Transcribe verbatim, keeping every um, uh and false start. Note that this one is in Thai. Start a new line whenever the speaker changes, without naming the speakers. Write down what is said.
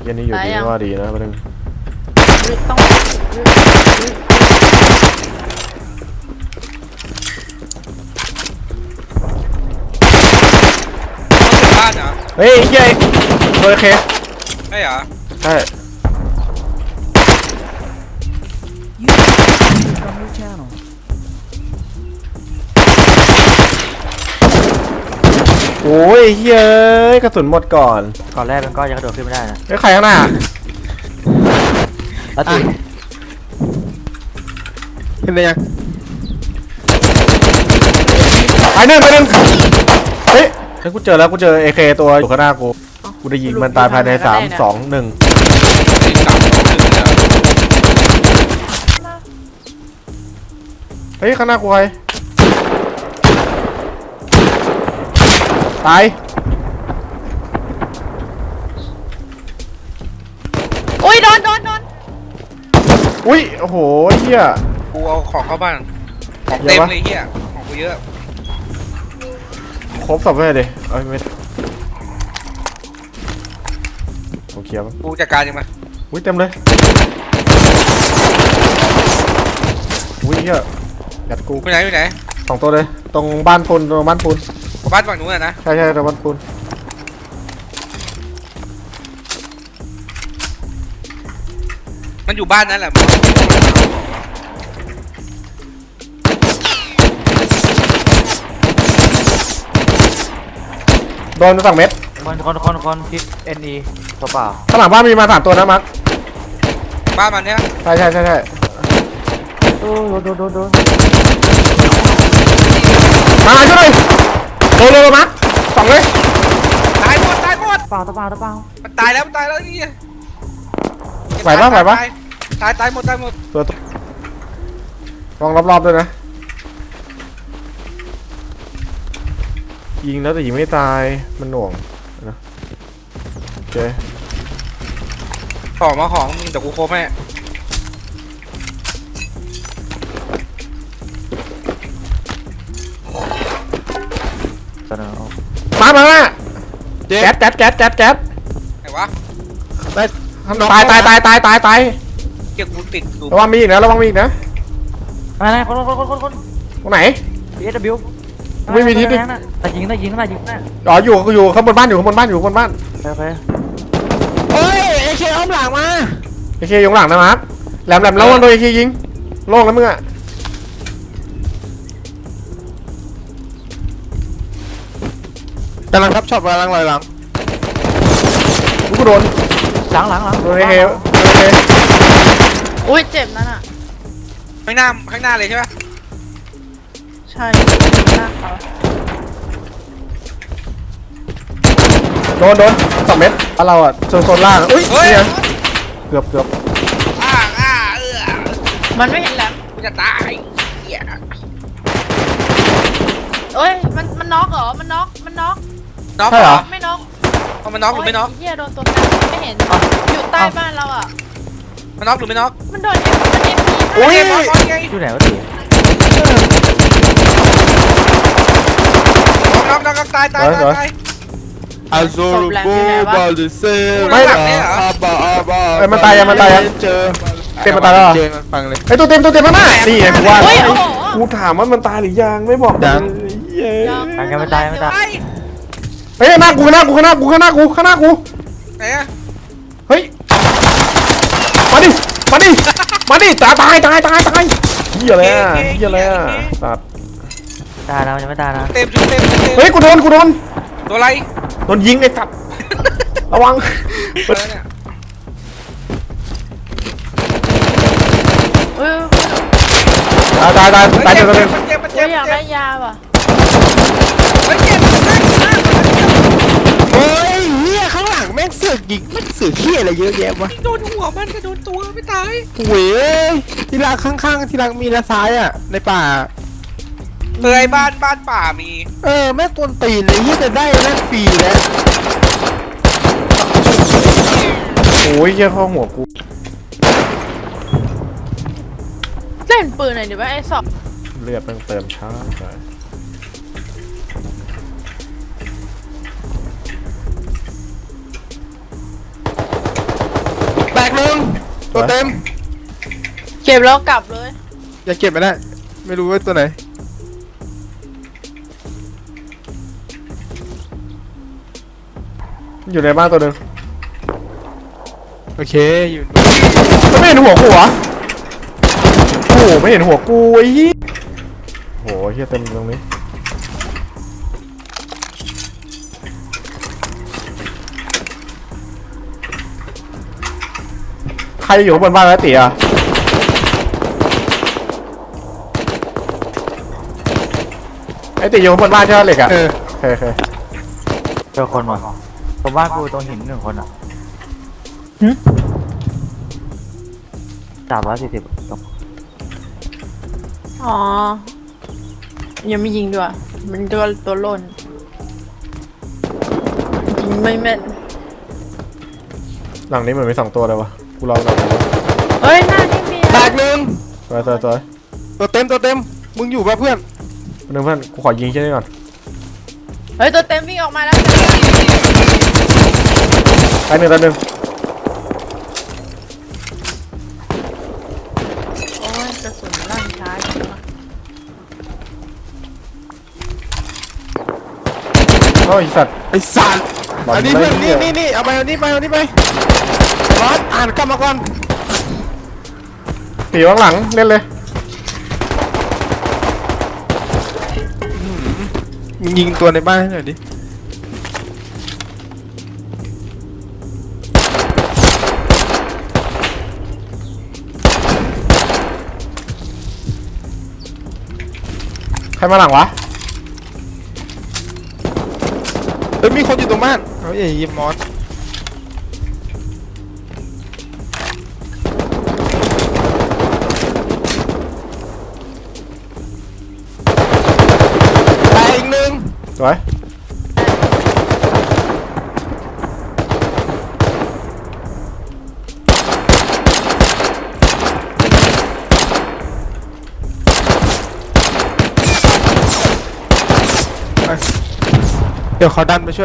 ยันนี้อยู่ดีว่าดีนะประเด็น
ต้อง
บ้านเหรอ
เฮ้ยเฮ้ยโอเค
ใช่เหรอ
ใช่โอ้ยเฮ้ยกระสุนหมดก่อน
ก่อนแรกมันก็ยังกระโดดขึ้นไม่ได้นะ
ไอ้ใครข้างหน้า
แล้วตี
ขึ้นไปยังไปหนึ่งไปหนึ่งเฮ้ยฉันกูเจอแล้วกูเจอเอเคตัวอยู่ข้างหน้ากูกูได้ยิงมันตายภายในสามสองหนึ่งเฮ้ยข้างหน้ากูใครตาย
อุ้ยโดนโดนโดน
อุ้ยโอ้โหเฮีย
กูเอาของเข้าบ้านของเต็มเลยเฮียของกูเยอะ
ครบสับเลยดิเอ้ยไม่โอเคป่ะ
กูจัดการยังไง
อุ้ยเต็มเลยอุ้ยเฮียยัดกู
ไปไหนไปไหน
สองตัวเลยตรงบ้านปูนตรงบ้านปูน
บ้านฝั่งนู้นนะ
ใช่ใช่ตรงบ้านปูน
มันอยู่บ้านนั่นแหละ
โดนสองเม็ด
คนคนคนคนทิศเอ็นอีตัวเปล่า
ข้างหลังบ้านมีมาสามตัวนะมัก
บ้านมันเนี้ย
ใช่ใช่ใช่ใช่
โดนโดนโดนโดน
มาช่วยโดนเลยมักสองเลย
ตายหมดตายหมด
เปล่าตัวเปล่าตัวเปล่า
มันตายแล้วมันตายแล้วนี่
ไหวปะไหวปะ
ตายตายหมดตายหมด
ตัวลองรอบๆด้วยนะยิงแล้วแต่ยิงไม่ตายมันหน่วงนะโอเค
ของมาของมึงแต่กูโคบแม่
มามาละแก๊สแก๊สแก๊สแก๊สแก๊ส
ไหนวะ
ตายตายตายตายตายตาย
เกี่ยวกูติด
ระวังมีอีกนะระวังมีอีกนะ
อะไรคนคนคนคนคน
ตรงไหน
บีเอสบิว
ไม่มีทิศดิ
แต่ยิงได้ยิงได้ยิงได้
อ๋ออยู่อยู่ข้างบนบ้านอยู่ข้างบนบ้านอยู่ข้างบนบ้าน
โอเค
เฮ้ยเอเคอ้อมหลังมาเอเคอยู่หลังนะมาร์คแหลมแหลมแล้ววันโดนเอเคยิงโล่งแล้วมึงอะกำลังทับช็อตกำลังลอยหลังกูโดน
หลังหลังหลัง
โดนเอเค
อุ้ยเจ็บนั่นอ่ะ
ข้างหน้าข้างหน้าเลยใช่ไหม
ใช่หน้าเขา
โดนโดนสองเม็ดเราอ่ะโซนโซนล่างอุ้ยเนี่ยเกือบเกือบ
อ่าอ่าเออ
มันไม่เห็นแหลม
กูจะตายเหี้ย
เอ้ยมันมันน็อกเหรอมันน็อกมันน็อก
น็อกเหรอ
ไม่น็อก
มันน็อกหรือไม่น็อก
เหี้ยโดนตัวกันไม่เห็นอยู่ใต้บ้านเราอ่ะ
มันน็อกหรือไม่น็อก
มันโดนเอ็มมันเอ็มพี
อุ้ย
อยู่ไหนวะตี
น็อกน็อกน็อกตายตายตาย
อาโซลูโบบอลดิเซ่
ไม่หลังเนี่ยเหรอ
เอ้ยมันตายยังมันตายยังเจอเต็มมันตายแล้วฟังเลยไอ้ตัวเต็มตัวเต็มมากนี่ไงกูว่ากูถามว่ามันตายหรือยังไม่บอกยัง
ยังไม่ตายไม่ตาย
เฮ้ยหน้ากูข้างหน้ากูข้างหน้ากูข้างหน้ากูข้างหน้ากู
ไหนอะ
เฮ้ยมาดิมาดิมาดิตายตายตายตายตายเหี้ยอะไรอ่ะเหี้ยอะไรอ่ะสัตว์
ตายแล้วยังไม่ตายนะ
เต็มเต็มเต็ม
เฮ้ยกูโดนกูโดน
ตัวอะไร
โดนยิงไอ้สัตว์ระวังตายตายตายตายเจ็บเจ็บ
เจ็บเจ็บ
อยากได้ยาป่ะ
เฮ้ยเจ็บ
เฮ้ยเฮียข้างหลังแม่งเสือกยิงแม่งเสือกเฮียอะไรเยอะแยะวะ
โดนหัวมันก็โดนตัวไม่ตาย
เว้ยที่รักข้างๆที่รักมีนะซ้ายอ่ะในป่า
เออไอ้บ้านบ้านป่ามี
เออแม่กวนตีนเลยที่จะได้แม่ฟรีแล้วโอ้ยเหี้ยเข้าหัวกู
เล่นปืนหน่อยดิว่าไอ้สอบ
เลือดมันเติมช้าไป
ตัวเต็ม
เก็บแล้วกลับเลย
อย่าเก็บไม่ได้ ไม่รู้ว่าตัวไหน
อยู่ในบ้านตัวหนึ่ง
โอเคอยู่
มันไม่เห็นหัวกูเหรอโอ้โหไม่เห็นหัวกูไอ้ยี่โอ้โหเฮียเต็มตรงนี้ใครอยู่ข้างบนบ้านแล้วตีอ่ะไอ้ตีอยู่ข้างบนบ้านใช่ไหมเหล็กอ่ะ
เออ
โอเคโอเค
เจอคนว่ะตรงบ้านกูตรงหินหนึ่งคนอ่ะสามร้อยสี่สิบตรง
อ๋อยังไม่ยิงด้วยมันตัวตัวหล่นยิงไม่แม่น
หลังนี้เหมือนมีสองตัวเลยวะกูลองหลังนี้
เฮ้ยหน้าที่เมีย
แตกหนึ่ง
สวยสวยสวย
ตัวเต็มตัวเต็มมึงอยู่ป่ะเพื่อน
เพื่อนเพื่อนกูขอยิงแค่นี้ก่อน
เฮ้ยตัวเต็มวิ่งออกมาแล้ว
ไปหนึ่งตัวหนึ่ง
โอ้ยกระสุนลั่นช้าจังวะ
โอ้ยสัตว์
ไอ้สัตว์
บอล
อันนี้
ไม่
เพื่อน
เหี้
นี่
ย
นี่นี่เอาไปเอานี่ไปเอานี่ไปบอสอ่านกลับมาก่อน
ตีข้างหลังเล่นเลย
มึงยิงตัวในบ้านให้หน่อยดิ
ใครมาหลังวะ
เฮ้ยมีคนอยู่ตรงบ้านเฮ้ยยิมมอสตายอีกหนึ่ง
สวย
เดี๋ยวเขาดันไปช่วย